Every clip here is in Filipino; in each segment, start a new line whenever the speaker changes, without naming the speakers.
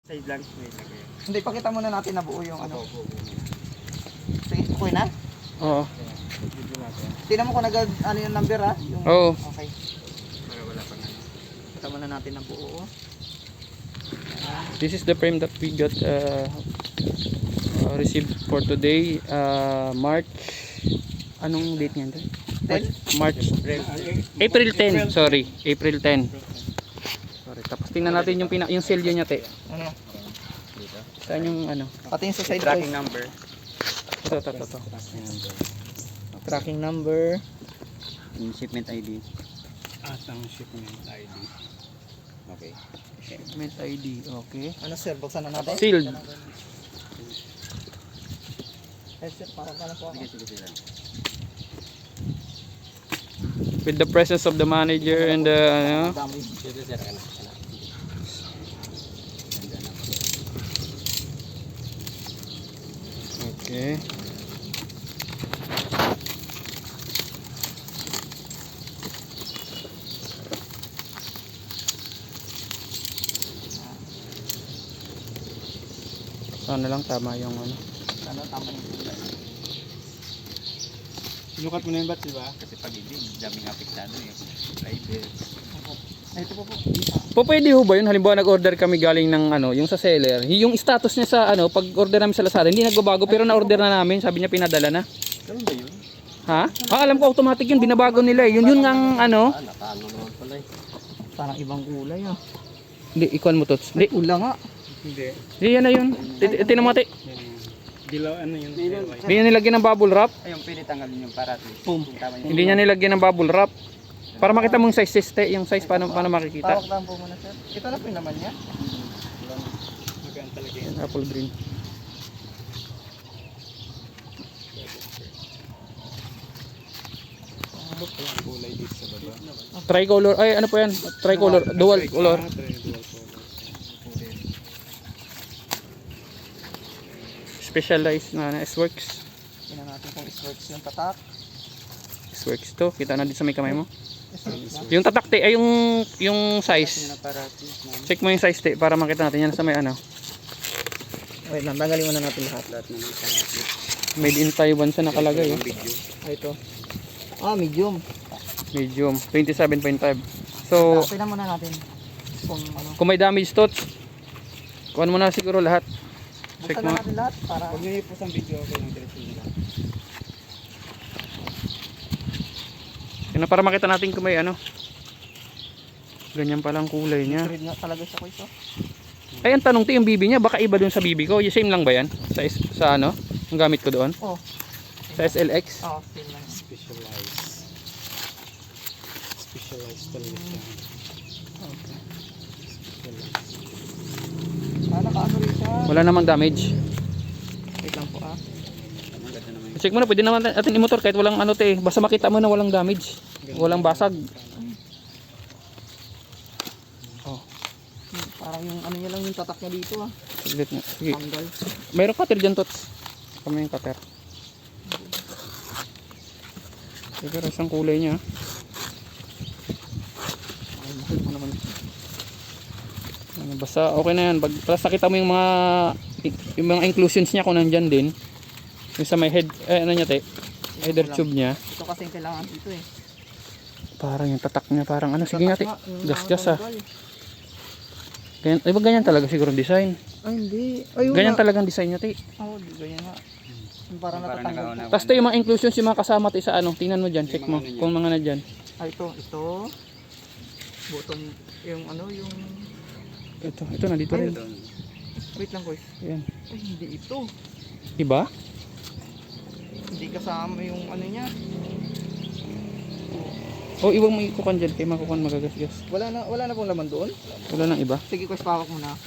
Side lang. Wait lang kayo.
Hindi, pakita muna natin na buo yung ano. Sige, okay na?
Oo.
Video natin.
Tingnan mo kung ano yung number ha? Yung,
Oo.
Okay.
Para wala pang ano.
Pakita muna natin na buo.
This is the frame that we got received for today, March. Anong date niyan?
10?
March. April 10. Sorry, April 10. Sorry. Tapos tingnan natin yung selyo niya, te.
Ano?
Saan yung ano?
Pati yung sa side
Tracking
ko.
number.
Ito.
Tracking number.
Tracking number.
Yung shipment ID. At ang shipment ID. Okay.
Shipment ID. Okay.
Ano sir, buksan na natin?
Sealed.
Eh sir, parang ka na po ako.
Sige.
With the presence of the manager and the ano.
Dami.
Sige sir, ano.
Okay. Sana lang tama yung ano.
Ano, tama yung kulay.
Sinukat mo na yung bat, di ba? Kasi pag hindi, daming apektado eh. Rider.
Ay, ito po.
Po pwede ho ba yun? Halimbawa nag-order kami galing ng ano, yung sa seller. Yung status niya sa ano, pag order namin sa Lazada, hindi nagbabago pero na-order na namin, sabi niya pinadala na.
Ganun ba yun?
Ha? Alam ko automatic yun, binabago nila eh. Yun ang ano.
Nakaano naman pala eh.
Parang ibang kulay ah.
Hindi, ikuan mo tots. Hindi,
Ula nga.
Hindi.
yan na yun. Tinan mo ate.
Dilaw ano yun?
Hindi niya nilagyan ng bubble wrap.
Ayun, pwede tanggalin yung para.
Boom.
Hindi niya nilagyan ng bubble wrap. Para makita mo yung size test, yung size paano makikita.
Tawag lang po muna sir. Ito na po yung naman niya.
Magaan talaga yun.
Apple green.
Kulay dito sa baba.
Tricolor, ay ano po yan? Tricolor, dual color. Specialized na S-Works.
Tingnan natin kung is-works yung tatak.
S-Works to, kita na din sa may kamay mo.
Is-works na.
Yung tatak te, ay yung size. Check mo yung size te, para makita natin yan sa may ano.
Wait lang, tanggalin muna natin lahat.
Lahat na ng parati.
Made in Taiwan sa nakalagay.
Yung video.
Ay, ito. Ah, medium.
Medium, 27.5. So,
Tingnan muna natin kung ano.
kung may damage to, kuhan mo na siguro lahat. Check
Buksan
mo.
na natin lahat para
Huwag nyo po sa video okay ng diretso nila.
Yun na, para makita natin kung may ano. Ganyan palang kulay niya.
read nga talaga siya ko ito.
Ay, ang tanong to, yung bibi niya, baka iba dun sa bibi ko. Yung same lang ba yan? Sa ano? Yung gamit ko doon?
Oh.
Sa SLX?
Oh, same lang.
Specialized talaga siya.
Okay.
Specialized.
Ah, nakaano rin siya.
Wala namang damage.
Wait lang po ah.
Ang ganda naman
Check mo na, pwede naman atin i-motor kahit walang ano te. Basta makita mo na walang damage. Walang basag. Oh,
Parang yung ano niya lang yung tatak niya dito ah.
saglit na. Sige.
Tanggal.
Mayroong cutter dyan, Tots. Kami yung cutter. Pero isang kulay niya.
Ay, mahal mo naman.
Ano, basta okay na yan. Basta nakita mo yung mga inclusions niya kung nandyan din. Yung sa may head, ano niya te? Header tube niya.
Ito kasi yung kailangan dito eh.
Parang yung tatak niya, parang ano. Sige nga te.
Tatak nga, yung
Gas-gas ah.
tanggal.
Ganyan, ay ba ganyan talaga siguro design?
Ay hindi. Ayun
Ganyan
nga.
talagang design niya te.
Oh, di ganyan nga. Yung parang natatanggal.
Tapos yung mga inclusions yung mga kasama te sa ano. Tingnan mo dyan, check mo. Kung mga na dyan.
Ay ito. Button. Yung ano yung.
Ito nandito rin.
Wait lang guys.
Yan.
Ay hindi ito.
Diba?
Hindi kasama yung ano niya.
O iwag mo ikukan dyan kay makukuhan magagasgas.
Wala na pong laman doon.
Wala nang iba.
Sige guys, pawak mo na.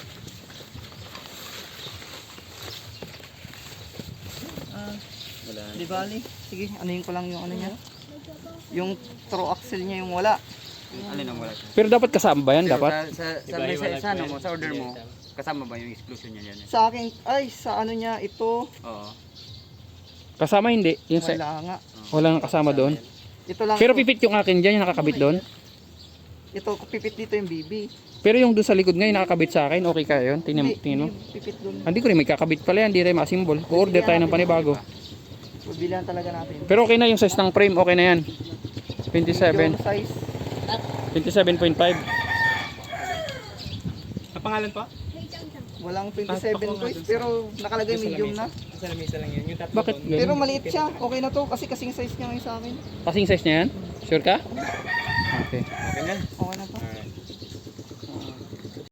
Di bali. Sige, anuhin ko lang yung ano niya. Yung throw axle niya yung wala.
Alin ang wala?
Pero dapat kasama ba yan? Dapat?
Sa ano mo, sa order mo, kasama ba yung exclusion niya dyan?
Sa akin, ay sa ano niya ito.
Oo.
Kasama hindi. Yung
Wala nga.
wala nang kasama doon.
Ito lang.
Pero
ito.
pipit yung akin dyan, yung nakakabit doon.
Ito, pipit dito yung BB.
Pero yung doon sa likod ngayon nakakabit sa akin, okay kaya yun? Tingnan mo.
Pipit doon.
Hindi ko rin may kakabit pala yan, hindi rin masimbol. O-order tayo ng panibago.
Pagbilihan talaga natin.
Pero okay na yung size ng frame, okay na yan. 27,
Medium size.
27.5.
Ang pangalan pa?
Walang 27 boys, pero nakalagay medium na.
Sa lamisa lang yan. Yung tatlo
Bakit
doon.
ganun?
Pero maliit siya. Okay na to kasi kasing size niya ngayon sa akin.
Kasing size niya yan? Sure ka? Okay.
Okay na.
Okay na to.
Alright.